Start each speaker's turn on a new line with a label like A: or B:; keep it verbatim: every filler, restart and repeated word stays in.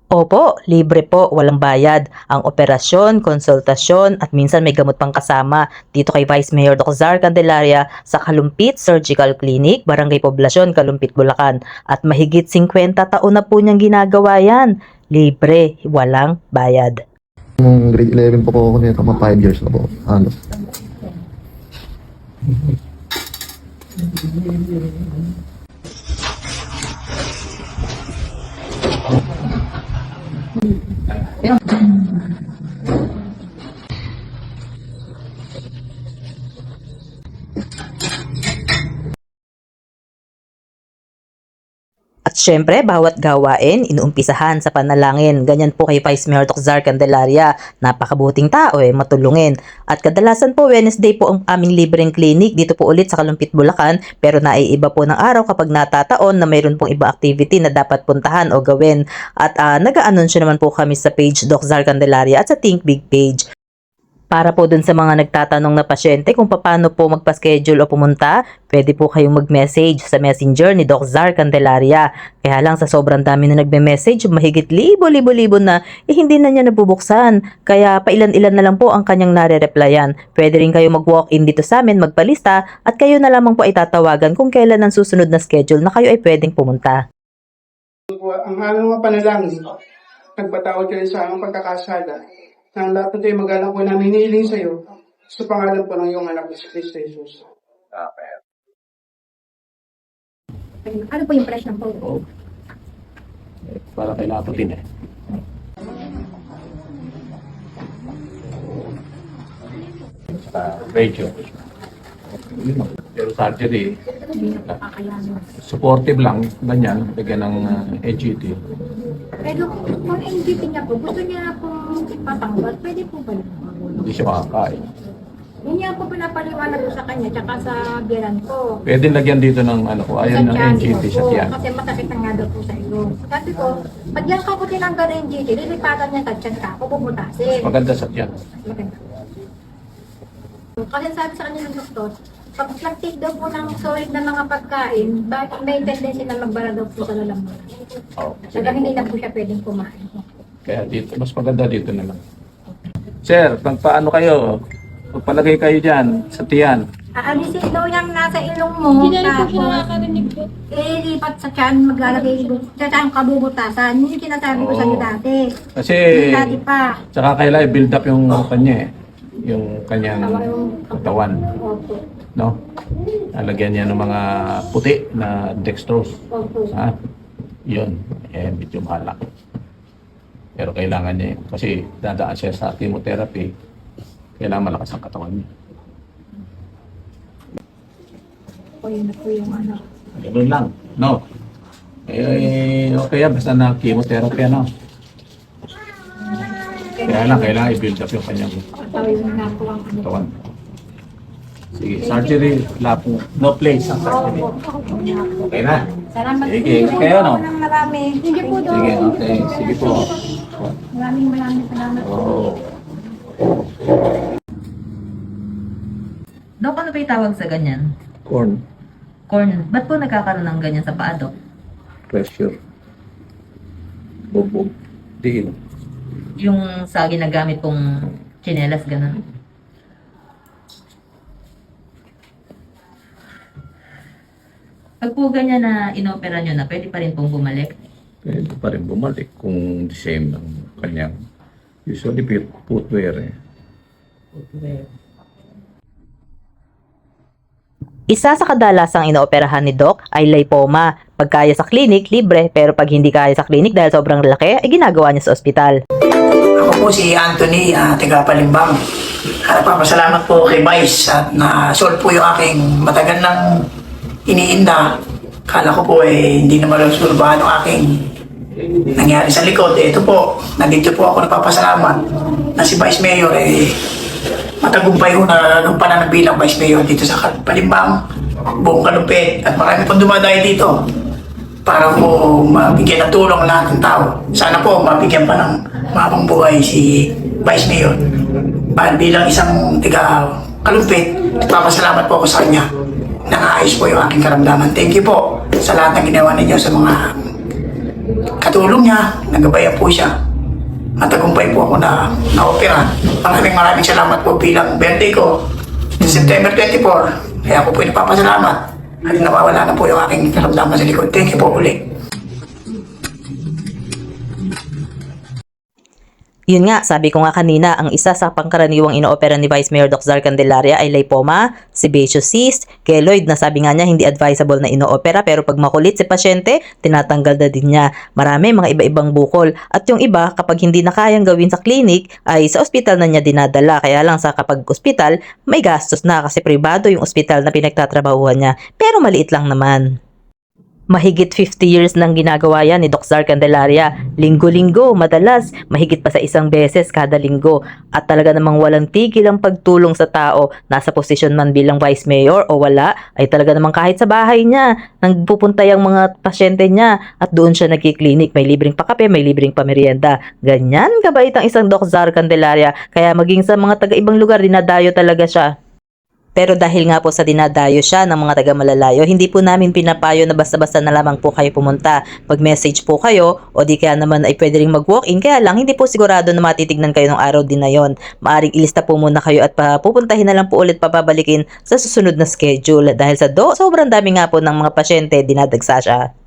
A: Opo, libre po, walang bayad. Ang operasyon, konsultasyon at minsan may gamot pang kasama dito kay Vice Mayor Doctor Zar Candelaria sa Kalumpit Surgical Clinic, Barangay Poblasyon, Kalumpit, Bulacan. At mahigit singkwenta taon na po niyang ginagawa yan. Libre, walang bayad.
B: Nung grade eleven po po ako nito, mga five years na po. Ano?
A: At syempre, bawat gawain, inuumpisahan sa panalangin. Ganyan po kay Vice Mayor Doctor Zar Candelaria. Napakabuting tao eh, matulungin. At kadalasan po, Wednesday po ang aming libreng clinic dito po ulit sa Kalumpit, Bulacan. Pero naiiba po ng araw kapag natataon na mayroon pong iba activity na dapat puntahan o gawin. At uh, nag-aanunsyo naman po kami sa page Doc Zar Candelaria at sa Think Big page. Para po dun sa mga nagtatanong na pasyente kung paano po magpa-schedule o pumunta, pwede po kayong mag-message sa messenger ni Doc Zar Candelaria. Kaya lang sa sobrang dami na nagme-message, mahigit libo-libo-libo na, eh hindi na niya nabubuksan. Kaya pailan-ilan na lang po ang kanyang nare-replyan. Pwede rin kayo mag-walk-in dito sa amin, magpalista, at kayo na lamang po ay tatawagan kung kailan ang susunod na schedule na kayo ay pwedeng pumunta.
C: Ang aming mga panalangin, nagpatawad kayo sa aming pagkakasala. Nang lahat ng tayo mag-alak po namin hinihiling sa iyo, sa pangalan po ng iyong anak na si Kristo Jesus.
D: Okay.
E: Ano po yung price ng phone?
D: Oh. Eh, para kay Laputin eh. Sa radio. Pero surgery, supportive lang, ganyan, bigyan ng uh, N G T.
E: Pero kung N G T niya po, gusto niya po ipatanggal, pwede po ba yun?
D: Hindi siya makakain.
E: Yun niya po pinapaliwanag ko sa kanya, tsaka sa biran ko.
D: Pwede lagyan dito ng ano ko, ayan ng N G T sa tiyan.
E: Kasi masakit na nga daw po sa iyo. Sabi ko, pag yan ka po tinanggal ng N G T, lilipatan niya sa tiyan ka, ako bubutasin.
D: Maganda sa tiyan.
E: Maganda. Kasi sabi sa kanya ng doktor, pag nag-take daw po ng solid na mga pagkain, bakit may tendency na magbara daw po sa lalamunan.
D: Oh,
E: Kaya hindi na po siya pwedeng kumain.
D: Kaya dito, mas maganda dito na lang. Sir, pag paano kayo? Pagpalagay kayo dyan sa tiyan.
E: Aalisin daw yung nasa ilong mo,
F: Hindi na rin po siya
E: tapos
F: nakakarinig po.
E: ilipat sa tiyan, maglalagay sa tiyan kabubutasan. Yun yung sinasabi ko sa iyo
D: Oo.
E: dati.
D: Kasi,
E: Yung dati pa.
D: tsaka kailangan i-build up yung kanya eh. Yung kanyang katawan.
E: Opo.
D: No? Nalagyan niya ng mga puti na dextrose.
E: Opo.
D: Ha? Yun. Eh, medyo mahalak. Pero kailangan niya yun. Kasi dadaan siya sa chemotherapy. Kailangan malakas ang katawan niya.
E: O yun na po yung ano.
D: Ganun lang. No? Eh, okay yan. Basta na chemotherapy, ano? Kaya lang, kailangan i-build up yung kanyang
E: Tawin na po ang ano.
D: katawan. Sige, surgery, lapo. No place ang surgery.
E: Opo.
D: Okay na?
E: Salamat
D: Sige,
E: po.
D: kayo, no?
E: Ng marami. Sige po daw.
D: Sige, okay. Sige po.
E: Maraming maraming salamat po.
D: Oo.
A: Dok, ano ba yung tawag sa ganyan?
D: Corn.
A: Corn. Ba't po nagkakaroon ng ganyan sa paa, Dok?
D: Pressure. Bubog. Diin.
A: Yung sa ginagamit pong tsinelas, ganun. Pag po ganyan na inopera nyo na, pwede pa rin pong bumalik.
D: Pwede pa rin bumalik kung the same ng kanyang usually put- footwear eh.
A: Isa sa kadalasang inooperahan ni Doc ay lipoma. Pag kaya sa clinic, libre. Pero pag hindi kaya sa clinic dahil sobrang laki, ay ginagawa niya sa ospital.
G: Ako po si Anthony, uh, taga Palimbang. At papasalamat po kay Vice at na-solve po yung aking matagal nang iniinda. Kala ko po eh, hindi na malusulbahan ang aking nangyari sa likod. Eh, ito po, nandito po ako napapasalamat na si Vice Mayor eh, matagumpay ko na nung pananang bilang Vice Mayor dito sa Palimbang, buong Kalumpit. At marami pong dumadayo dito para po mabigyan ng tulong ang lahat ng tao. Sana po mabigyan pa ng mabang buhay si Vice Mayor. Bilang isang tiga Kalumpit, papasalamat po ako sa kanya. Nakaayos po yung aking karamdaman. Thank you po sa lahat ng ginawa ninyo sa mga katulong niya, nagabayan po siya. Matagumpay po ako na na-opera. Maraming maraming salamat po bilang birthday ko. September twenty-fourth, kaya ako po ay napapasalamat. At nawawala na po yung aking karamdaman sa likod. Thank you po ulit.
A: Yun nga, sabi ko nga kanina, ang isa sa pangkaraniwang inoopera ni Vice Mayor Doctor Zar Candelaria ay lipoma, sebaceous cyst, keloid na sabi nga niya hindi advisable na inoopera pero pag makulit si pasyente, tinatanggal na din niya. Marami mga iba-ibang bukol at yung iba kapag hindi na kayang gawin sa clinic ay sa ospital na niya dinadala. Kaya lang sa kapag ospital, may gastos na kasi pribado yung ospital na pinagtatrabahuhan niya pero maliit lang naman. Mahigit fifty years nang ginagawa yan ni Doctor Zar Candelaria. Linggo-linggo, madalas, mahigit pa sa isang beses kada linggo. At talaga namang walang tigil ang pagtulong sa tao. Nasa posisyon man bilang Vice Mayor o wala, ay talaga namang kahit sa bahay niya, nang pupunta yung mga pasyente niya at doon siya nagkiklinik. May libreng pakape, may libreng pamerienda. Ganyan kabait ang isang Doctor Zar Candelaria. Kaya maging sa mga taga-ibang lugar, dinadayo talaga siya. Pero dahil nga po sa dinadayo siya ng mga taga-malalayo, hindi po namin pinapayo na basta-basta na lamang po kayo pumunta. Mag-message po kayo o di kaya naman ay pwede rin mag-walk-in. Kaya lang hindi po sigurado na matitignan kayo ng araw din na yon. Maaring ilista po muna kayo at pupuntahin na lang po ulit papabalikin sa susunod na schedule. Dahil sa do, sobrang dami nga po ng mga pasyente, dinadagsa siya.